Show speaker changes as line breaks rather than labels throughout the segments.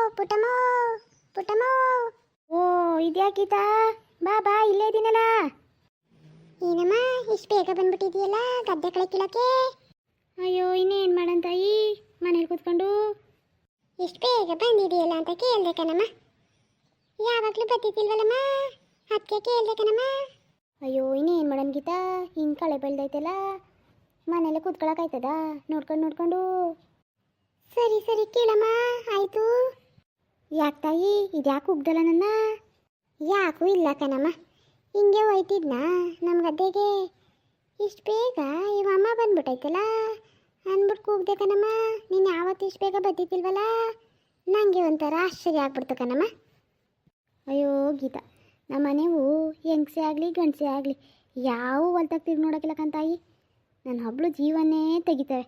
ಪುಟಮೋ ಪುಟಮೋ. ಓ ಇದ್ಯಾಕೀತಾ, ಬಾ ಬಾ, ಇಲ್ಲೇ ಇದೀನಲ್ಲ. ಏನಮ್ಮ ಇಷ್ಟು ಬೇಗ ಬಂದ್ಬಿಟ್ಟಿದೆಯಲ್ಲ ಗದ್ದೆ ಕಳೆ ಕೀಳಕ್ಕೆ? ಅಯ್ಯೋ ಇನ್ನೇನು ಮಾಡಂತಾಯಿ, ಮನೇಲಿ ಕೂತ್ಕೊಂಡು. ಎಷ್ಟು ಬೇಗ ಬಂದಿದೆಯಲ್ಲ ಅಂತ ಕೇಳಿದೆ ಕಣಮ್ಮ. ಯಾವಾಗಲೂ ಬರ್ತಿದ್ದಿಲ್ವಲ್ಲಮ್ಮ, ಅದಕ್ಕೆ ಕೇಳಿದೆ ಕಣಮ್ಮ. ಅಯ್ಯೋ ಇನ್ನೇನು ಮಾಡೋಣ ಗೀತಾ, ಹಿಂಗೆ ಕಳೆ ಬೆಳ್ದೈತಲ್ಲ, ಮನೇಲೆ ಕೂತ್ಕೊಳಕಾಯ್ತದ ನೋಡ್ಕೊಂಡು. ಸರಿ ಸರಿ ಕೇಳಮ್ಮ, ಆಯಿತು. ಯಾಕೆ ತಾಯಿ, ಇದ್ಯಾಕೆ ಉಗ್ದಲ್ಲ ನನ್ನ? ಯಾಕೂ ಇಲ್ಲ ಕಣಮ್ಮ, ಹಿಂಗೆ ಹೋಯ್ತಿದ್ನ ನಮ್ಮ ಗದ್ದೆಗೆ. ಇಷ್ಟು ಬೇಗ ಇವ ಅಮ್ಮ ಬಂದ್ಬಿಟ್ಟೈತಲ್ಲ ಅಂದ್ಬಿಟ್ಟು ಕೂಗ್ದೆ ಕಣಮ್ಮ. ನೀನು ಯಾವತ್ತು ಇಷ್ಟು ಬೇಗ ಬರ್ತಿದ್ದಿಲ್ವಲ್ಲ, ನನಗೆ ಒಂಥರ ಆಶ್ಚರ್ಯ ಆಗ್ಬಿಡ್ತು ಕಣಮ್ಮ. ಅಯ್ಯೋ ಗೀತಾ, ನಮ್ಮ ಮನೆವು ಹೆಂಗಸೆ ಆಗಲಿ ಗಂಡಸೆ ಆಗಲಿ ಯಾವ ಹೊಲ್ತಾಗ ತಿರ್ಗಿ ನೋಡೋಕ್ಕಿಲ್ಲ ಕಂತಾಯಿ, ನನ್ನ ಹಬ್ಳು ಜೀವನೇ ತೆಗಿತವೆ.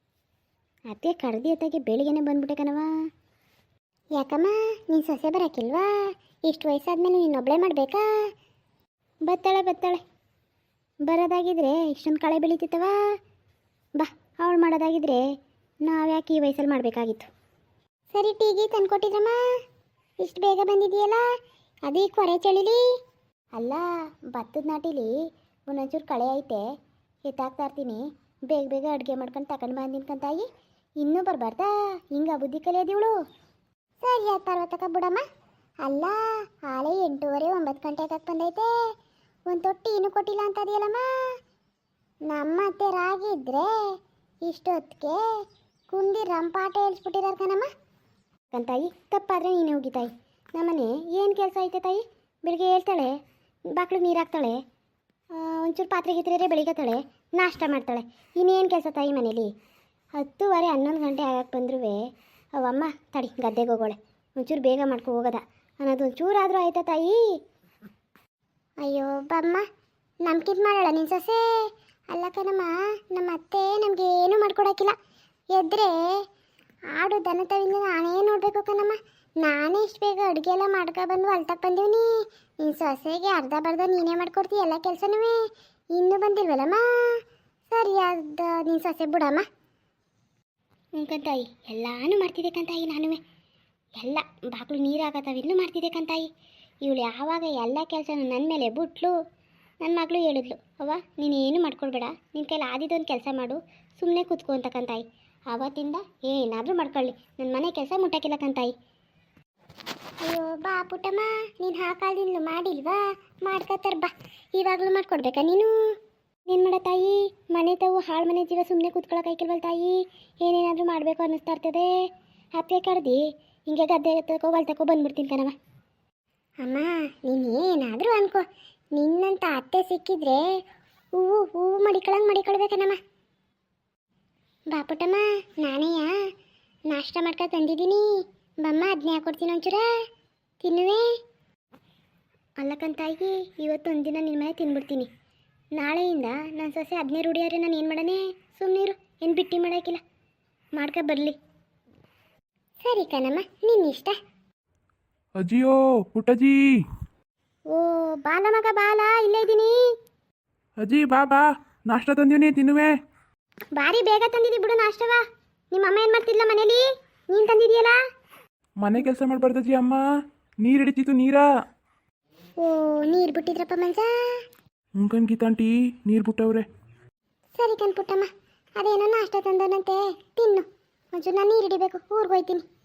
ಅದೇ ಕಡ್ದಿ ಹೊತ್ತಾಗೆ ಬೆಳಿಗ್ಗೆನೆ ಬಂದ್ಬಿಟ್ಟೆ ಕಣವ. ಯಾಕಮ್ಮ ನೀನು ಸೊಸೆ ಬರೋಕ್ಕಿಲ್ವಾ? ಇಷ್ಟು ವಯಸ್ಸಾದ್ಮೇಲೆ ನೀನು ಒಬ್ಬಳೇ ಮಾಡಬೇಕಾ? ಬತ್ತಾಳೆ ಬರೋದಾಗಿದ್ರೆ ಇಷ್ಟೊಂದು ಕಳೆ ಬೆಳೀತಿತ್ತವ. ಬಾ, ಅವಳು ಮಾಡೋದಾಗಿದ್ರೆ ನಾವು ಯಾಕೆ ಈ ವಯಸ್ಸಲ್ಲಿ ಮಾಡಬೇಕಾಗಿತ್ತು. ಸರಿ ಟೀಗಿ ತಂದ್ಕೊಟ್ಟಿದ್ರಮ್ಮ, ಇಷ್ಟು ಬೇಗ ಬಂದಿದೆಯಲ್ಲ, ಅದು ಈ ಕೊರೆ ಚಳಿಲಿ ಅಲ್ಲ. ಭತ್ತದ ನಾಟಿಲಿ ಒಂದೊಂಚೂರು ಕಳೆ ಐತೆ, ಎತ್ತಾಕ್ತಾ ಇರ್ತೀನಿ. ಬೇಗ ಅಡುಗೆ ಮಾಡ್ಕೊಂಡು ತಗೊಂಡು ಬಂದಿನ ಕಂತಾಯಿ, ಇನ್ನೂ ಬರಬಾರ್ದಾ? ಹಿಂಗೆ ಬುದ್ಧಿ ಕಲಿಯೋದಿವಳು. ಸರಿ ಆಯ್ತು ಪರ್ವತಕ್ಕ ಬಿಡಮ್ಮ. ಅಲ್ಲ ಹಾಳೆ 8:30 9 ಗಂಟೆಗೆ ಬಂದೈತೆ, ಒಂದು ತೊಟ್ಟಿ ಇನ್ನೂ ಕೊಟ್ಟಿಲ್ಲ ಅಂತ ಅದೆಯಲ್ಲಮ್ಮ. ನಮ್ಮ ಅತ್ತೆ ರಾಗಿ ಇದ್ರೆ ಇಷ್ಟೊತ್ತಿಗೆ ಕುಂದಿ ರಂಪಾಟ ಹೇಳ್ಸ್ಬಿಟ್ಟಿದಾರ ಕಣಮ್ಮ. ಕಂತಾಯಿ ತಪ್ಪಾದರೆ ನೀನೇ ಹೋಗಿ ತಾಯಿ. ನಮ್ಮನೆ ಏನು ಕೆಲಸ ಐತೆ ತಾಯಿ? ಬೆಳಿಗ್ಗೆ ಹೇಳ್ತಾಳೆ, ಬಾಕ್ಳಿಗೆ ನೀರು ಹಾಕ್ತಾಳೆ, ಒಂಚೂರು ಪಾತ್ರೆ ಗೀತ್ರೆ ಬೆಳಿಗ್ಗೆತಾಳೆ, ನಾಷ್ಟ ಮಾಡ್ತಾಳೆ. ಇನ್ನೇನು ಕೆಲಸ ತಾಯಿ ಮನೇಲಿ? 10:30 11 ಗಂಟೆ ಆಗಕ್ಕೆ ಬಂದ್ರೂ ಅವಮ್ಮ ತಡಿ ಗದ್ದೆಗೆ ಹೋಗೋಳೆ, ಒಂಚೂರು ಬೇಗ ಮಾಡ್ಕೊ ಹೋಗೋದ ಅನ್ನೋದು ಒಂಚೂರಾದರೂ ಆಯ್ತಾ ತಾಯಿ? ಅಯ್ಯೋ ಬಮ್ಮ, ನಮ್ಗಿಂತ ಮಾಡೋಳ ನಿನ್ನ ಸೊಸೆ? ಅಲ್ಲ ಕಣಮ್ಮ, ನಮ್ಮ ಅತ್ತೆ ನಮಗೆ ಏನೂ ಮಾಡ್ಕೊಡೋಕ್ಕಿಲ್ಲ. ಎದ್ರೆ ಆಡು ದನ ತವಿಂದ ನಾನೇ ನೋಡಬೇಕು ಕಣಮ್ಮ. ನಾನೇ ಇಷ್ಟು ಬೇಗ ಅಡುಗೆ ಎಲ್ಲ ಮಾಡ್ಕೊಬಂದು ಹೊಲ್ತಕ್ಕೆ ಬಂದೀವಿ. ನಿನ್ನ ಸೊಸೆಗೆ ಅರ್ಧ ಬರ್ಧ ನೀನೇ ಮಾಡ್ಕೊಡ್ತೀಯ ಎಲ್ಲ ಕೆಲಸನೂ. ಇನ್ನೂ ಬಂದಿಲ್ವಲ್ಲಮ್ಮ? ಸರಿಯಾದ ನಿನ್ನ ಸೊಸೆ ಬಿಡಮ್ಮ. ಕಂತಾಯಿ ಎಲ್ಲಾನು ಮಾಡ್ತಿದ್ದೆ ಕಂತಾಯಿ, ನಾನು ಎಲ್ಲ ಬಾಕ್ಳು ನೀರು ಹಾಕತ್ತವಿನ್ನೂ ಮಾಡ್ತಿದ್ದೆ ಕಂತಾಯಿ. ಇವಳು ಯಾವಾಗ ಎಲ್ಲ ಕೆಲಸನೂ ನನ್ನ ಮೇಲೆ ಬಿಟ್ಲು. ನನ್ನ ಮಗಳು ಹೇಳಿದ್ಲು, ಅವ್ವ ನೀನೇನು ಮಾಡ್ಕೊಳ್ಬೇಡ, ನಿನ್ನ ಕೈಲಿ ಆದಿದ್ದೊಂದು ಕೆಲಸ ಮಾಡು, ಸುಮ್ಮನೆ ಕೂತ್ಕೊ ಅಂತ ಕಂತಾಯಿ. ಆವತ್ತಿಂದ ಏನಾದರೂ ಮಾಡ್ಕೊಳ್ಳಿ, ನನ್ನ ಮನೆ ಕೆಲಸ ಮುಟ್ಟಕ್ಕಿಲ್ಲ ಕಂತಾಯಿ. ಅಯ್ಯೋ ಬಾ ಪುಟ್ಟಮ್ಮ, ನೀನು ಹಾಕಾಲ್ದಿನ್ಲು ಮಾಡಿಲ್ವಾ? ಮಾಡ್ಕೊತಾರ ಬಾ, ಇವಾಗಲೂ ಮಾಡ್ಕೊಡ್ಬೇಕಾ ನೀನು? ಏನು ಮಾಡ ತಾಯಿ, ಮನೆ ತಾವು ಹಾಳು ಮನೆ ಜೀವ ಸುಮ್ಮನೆ ಕೂತ್ಕೊಳ್ಳೋಕಾಯ್ಕಿಲ್ವಲ್ಲ ತಾಯಿ, ಏನೇನಾದರೂ ಮಾಡಬೇಕು ಅನ್ನಿಸ್ತಾ ಇರ್ತದೆ. ಅತ್ತೆ ಕಡ್ದು ಹಿಂಗೆ ಗದ್ದೆ ಹೊಲ್ತಕ್ಕೋ ಬಂದ್ಬಿಡ್ತೀನಿ ಕಣವ. ಅಮ್ಮ ನೀನು ಏನಾದರೂ ಅನ್ಕೋ, ನಿನ್ನಂತ ಅತ್ತೆ ಸಿಕ್ಕಿದ್ರೆ ಹೂವು ಮಡಿಕೊಳ್ಬೇಕನಮ್ಮ. ಬಾ ಪುಟ್ಟಮ್ಮ, ನಾನೇಯ ನಾಷ್ಟ ಮಾಡ್ಕೊಂಡು ತಂದಿದ್ದೀನಿ, ಬಮ್ಮ ಅದನ್ನೇ ಹಾಕೊಡ್ತೀನಿ ಒಂಚೂರ ತಿನ್ನುವೆ. ಅಲ್ಲಕ್ಕಂತಾಯಿ, ಇವತ್ತು ಒಂದಿನ ನಿನ್ನ ಮನೆ ತಿನ್ಬಿಡ್ತೀನಿ, ನಾಳೆಯಿಂದ ನನ್ನ ಸೊಸೆ ಅದನ್ನೇ ರೂಢಿಯಾರೆ ನಾನು ಏನು ಮಾಡಣೆ? ಸುಮ್ಮನಿರು, ಏನು ಬಿಟ್ಟಿ ಮಾಡೋಕ್ಕಿಲ್ಲ, ಮಾಡ್ಕೊ ಬರಲಿ. ಸರಿ ಕಣಮ್ಮ, ನಿನ್ನಿಷ್ಟ.
ಅಜ್ಜಿಯೋ ಪುಟ್ಟಜ್ಜಿ.
ಓ ಬಾಲ ಮಗ ಬಾಲ, ಇಲ್ಲೇ ಇದ್ದೀನಿ.
ಅಜ್ಜಿ ಬಾ ಬಾ, ನಾಷ್ಟ ತಂದೀನಿ ತಿನ್ನುವೆ.
ಭಾರಿ ಬೇಗ ತಂದಿದ್ದಿ ಬಿಡು ನಾಷ್ಟವ. ನಿಮ್ಮ ಅಮ್ಮ ಏನು ಮಾಡ್ತಿದ್ಲ ಮನೇಲಿ, ನೀನು ತಂದಿದೀಯಲ್ಲ?
ಮನೆ ಕೆಲಸ ಮಾಡಬಾರ್ದಜ್ಜಿ, ಅಮ್ಮ ನೀರು ಹಿಡಿತಿತ್ತು ನೀರ.
ಓ ನೀರು ಬಿಟ್ಟಿದ್ರಪ್ಪ ಮಂಜ?
ಕಣ್ ಗೀತಾಂಟಿ ನೀರು ಬಿಟ್ಟವ್ರೆ.
ಸರಿ ಕಣ್ ಪುಟ್ಟಮ್ಮ, ಅದೇನೋ ನಾಷ್ಟ ತಂದನಂತೆ ತಿನ್ನು, ಒಂಚೂರು ನಾನು ನೀರು ಹಿಡಿಬೇಕು, ಊರಿಗೆ ಹೋಯ್ತೀನಿ.